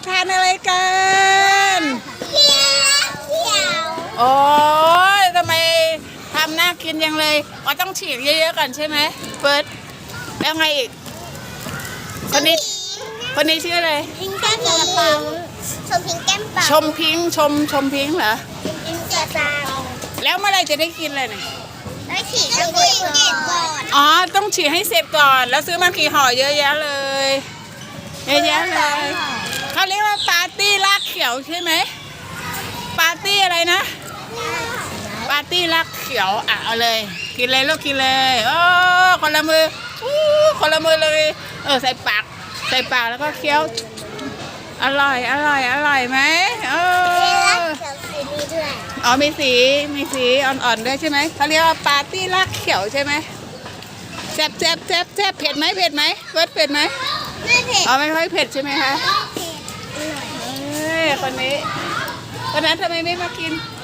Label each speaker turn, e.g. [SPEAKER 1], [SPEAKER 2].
[SPEAKER 1] ทานอะไรกัน
[SPEAKER 2] เขียว
[SPEAKER 1] โอ้ยทำไมทำน่ากินยังเลยอ๋อต้องฉีกเยอะๆก่อนใช่ไหมเฟิร์สแล้วไงอีกคนนี้ชื่ออะไร
[SPEAKER 2] พิงแก้มเปาชมพิงแก้มเปา
[SPEAKER 1] ชมพิงค์ชมพิงค์เหรอ
[SPEAKER 2] พิงแก้มเปา
[SPEAKER 1] แล้วเมื่อไหรจะได้กินเลยเนี่ย
[SPEAKER 2] ได้ฉีดต้องฉีดก่อน
[SPEAKER 1] อ๋อต้องฉีกให้เสร็จก่อน แล้วซื้อมากี่ห่อเยอะแยะเลยเยอะแยะเลยเขาเรียกว่าปาร์ตี้ลากเขียวใช่ไหมปาร์ตี้อะไรนะ ปาร์ตี้รักเขียวอ่ะเอาเลยกินเลยลูกกินเลยโอ้คนละมือคนละมือเลยใส่ปากแล้วก็เคี้ยวอร่อยไหม
[SPEAKER 2] เขียวสีนี้ด้วย
[SPEAKER 1] อ๋อมีสีอ่อนๆด้วยใช่ไหมเขาเรียกว่าปาร์ตี้รักเขียวใช่ไหมแซ่บเผ็ดไหมเบิร์ดเผ็ดไหม
[SPEAKER 2] ไม่เผ็ด
[SPEAKER 1] อ๋อไม่ค่อยเผ็ดใช่ไหมคะ
[SPEAKER 2] เผ็ด
[SPEAKER 1] คนนี้คนนั้นทำไมไม่มากิน